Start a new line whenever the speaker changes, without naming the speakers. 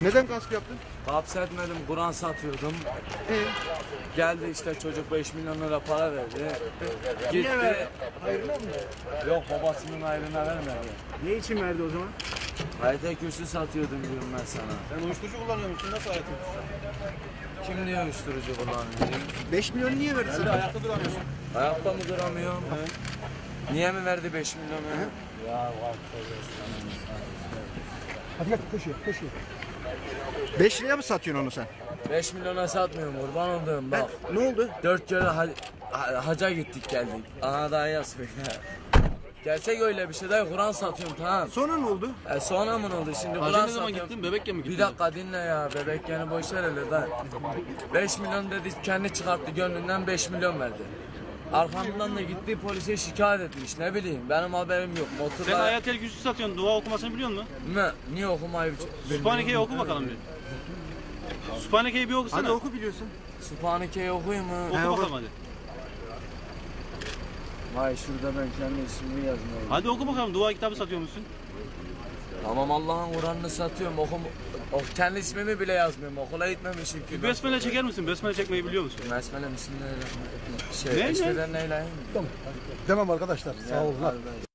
Neden gasp yaptın?
Hapsetmedim, Kur'an satıyordum. Geldi işte çocuk 5 milyon lira para verdi. Gitti.
Hayrına mı?
Yok, babasının ayrına vermedi.
Ne için verdi o zaman?
Hayata kürsü satıyordum diyorum ben sana.
Sen uyuşturucu kullanıyor musun? Nasıl hayatın?
Kim diyor uyuşturucu kullanıyor?
5 milyon niye verdi sana?
Ayakta duramıyorsun.
Ayakta mı duramıyorum? Niye mi verdi 5 milyonu? Ya var.
Hadi gel koşuyor. 5 liraya mı satıyorsun onu sen?
5 milyona satmıyorum, kurban olduğum bak.
Ne oldu?
4 kere haca gittik geldik. Ana daha yazıyor ya. Gerçek öyle bir şey değil, Kur'an satıyorum tamam.
Sonra ne oldu?
Sonra mı oldu şimdi?
Hacı
Kur'an
ne zaman
satıyorum.
gittin? Bebekken mi gittin?
Bir dakika dinle ya, bebek yani boş ver hele da. 5 milyon dedi, kendi çıkarttı gönlünden 5 milyon verdi. Arkamdan da gitti polise şikayet etmiş, ne bileyim benim haberim yok.
Sen
Motorla...
Ayatel Kürsü satıyorsun. Dua okumasını biliyor musun?
Ne? Niye okumayı
Sübhaneke'yi oku bakalım bir. Sübhaneke'yi bir okusana.
Hadi oku biliyorsun.
Sübhaneke'yi okuyayım mı?
Oku bakalım hadi.
Vay şurada ben kendi ismimi yazmayayım.
Hadi oku bakalım. Dua kitabı satıyor musun?
Tamam, Allah'ın Kur'an'ını satıyorum. Kendi ismimi bile yazmıyorum. Okula gitmemişim ki.
Besmele çeker misin? Besmele çekmeyi biliyor musun?
Besmele bismillahirrahmanirrahim.
Ne?
Eşveden neyleyim?
Demem arkadaşlar. Sağ olun.
Hadi.